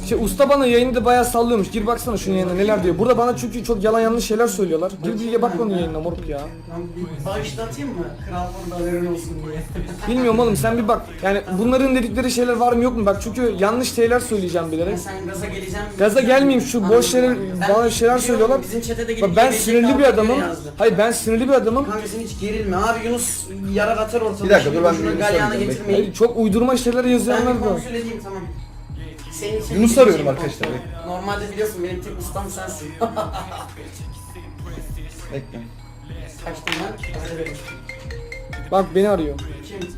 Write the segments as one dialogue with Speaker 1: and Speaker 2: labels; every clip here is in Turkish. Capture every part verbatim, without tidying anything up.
Speaker 1: Şey, usta bana yayında bayağı sallıyormuş. Gir baksana şunun yayına neler diyor. Burada bana çünkü çok yalan yanlış şeyler söylüyorlar. Gir bir bak onun yayınına moruk ya.
Speaker 2: Bağışlatayım mı? Kral burada haberin olsun diye.
Speaker 1: Bilmiyorum oğlum sen bir bak. Yani bunların dedikleri şeyler var mı yok mu? Bak çünkü yanlış şeyler söyleyeceğim bilerek.
Speaker 2: Sen gaza geleceğim.
Speaker 1: Gaza gelmeyeyim şu boş şeyler bana şeyler söylüyorlar.
Speaker 2: Bizim chat'e de
Speaker 1: Bak
Speaker 2: gidip
Speaker 1: ben
Speaker 2: gelecek
Speaker 1: sinirli bir
Speaker 2: abi
Speaker 1: adamım.
Speaker 2: yazdı.
Speaker 1: Hayır ben sinirli bir adamım.
Speaker 2: Kanka sen hiç gerilme abi, Yunus yarar atar ortada.
Speaker 3: Bir dakika, dur ben
Speaker 2: Şunu
Speaker 3: bir Yunus'u
Speaker 2: galyana
Speaker 3: arayacağım,
Speaker 2: getirmeyin.
Speaker 1: Hayır, çok uydurma şeyler
Speaker 2: Ben
Speaker 1: yazıyorlar
Speaker 2: bir
Speaker 1: da.
Speaker 2: kontrol edeyim, tamam. Senin için
Speaker 3: Yunus'u
Speaker 2: bir
Speaker 3: arıyorum
Speaker 2: şey
Speaker 3: arkadaşlar,
Speaker 2: kontrol.
Speaker 3: bekle.
Speaker 2: Normalde biliyorsun benim tek ustam sensin.
Speaker 3: Bekle.
Speaker 2: Kaçtım ben? Hazır verin.
Speaker 1: Bak beni arıyor.
Speaker 2: Kim?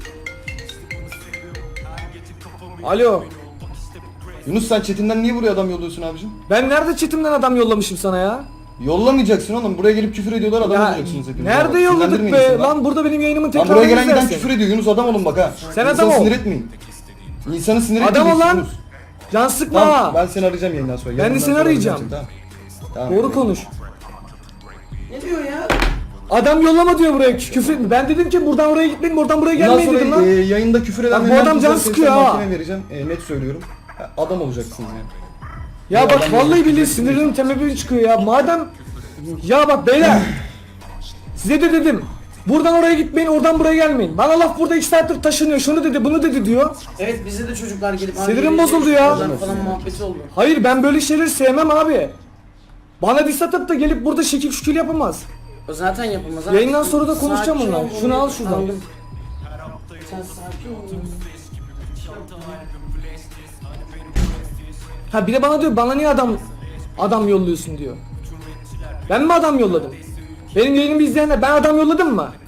Speaker 1: Alo.
Speaker 3: Yunus sen chatinden niye buraya adam yolluyorsun abicim?
Speaker 1: Ben nerede chatimden adam yollamışım sana ya?
Speaker 3: Yollamayacaksın oğlum. Buraya gelip küfür ediyorlar, adam
Speaker 1: Ya,
Speaker 3: olacaksınız hepiniz.
Speaker 1: nerede
Speaker 3: Bak,
Speaker 1: yolladık
Speaker 3: sinirlendirmeyin
Speaker 1: be?
Speaker 3: insanı.
Speaker 1: Lan burada benim yayınımın
Speaker 3: Lan
Speaker 1: tekrarını
Speaker 3: buraya gelen giden
Speaker 1: izlersin.
Speaker 3: küfür ediyor. Yunus adam olun bak ha.
Speaker 1: Sen
Speaker 3: İnsanı
Speaker 1: adam ol.
Speaker 3: sinir etmeyin. İnsanı sinir
Speaker 1: Adam
Speaker 3: etmeyeceksin
Speaker 1: ol lan.
Speaker 3: Yunus.
Speaker 1: Can sıkma
Speaker 3: Tamam,
Speaker 1: ha.
Speaker 3: ben seni arayacağım yayından sonra.
Speaker 1: Ben de
Speaker 3: Yayından
Speaker 1: seni
Speaker 3: sonra
Speaker 1: arayacağım.
Speaker 3: seni, Tamam. Tamam.
Speaker 1: Doğru konuş.
Speaker 2: Ne diyor ya?
Speaker 1: Adam yollama diyor buraya küfür etme. Ben dedim ki buradan oraya gitmeyin, buradan buraya
Speaker 3: Bundan
Speaker 1: gelmeyin dedim
Speaker 3: sonra
Speaker 1: lan.
Speaker 3: e, yayında küfür eden
Speaker 1: Bak bu adam can sıkıyor ha.
Speaker 3: Mahkemeye vereceğim. E, net söylüyorum. Ha, adam olacaksınız yani.
Speaker 1: Ya
Speaker 3: bu
Speaker 1: bak
Speaker 3: adam
Speaker 1: vallahi
Speaker 3: yolladı,
Speaker 1: billahi
Speaker 3: küfür
Speaker 1: sinirlerim tepeme çıkıyor ya. Madem ya bak beyler size de dedim. Buradan oraya gitmeyin, oradan buraya gelmeyin. Bana laf burada iki saattir taşınıyor. Şunu dedi, bunu dedi diyor.
Speaker 2: Evet, bize de çocuklar gelip
Speaker 1: Sinirim
Speaker 2: abi,
Speaker 1: bozuldu ya.
Speaker 2: falan falan muhabbeti oldu.
Speaker 1: Hayır ben böyle şeyleri sevmem abi. Bana diss atıp da gelip burada şekil şükür yapamaz.
Speaker 2: O zaten yapılmaz abi.
Speaker 1: Yayından sonra da konuşacağım
Speaker 2: Sakin
Speaker 1: onunla.
Speaker 2: ol,
Speaker 1: Şunu al
Speaker 2: onu-
Speaker 1: şuradan.
Speaker 2: Aldım. Sen sakin ol.
Speaker 1: Ha bir de bana diyor bana niye adam adam yolluyorsun diyor. Ben mi adam yolladım? Benim yayınımı izleyenler ben adam yolladım mı?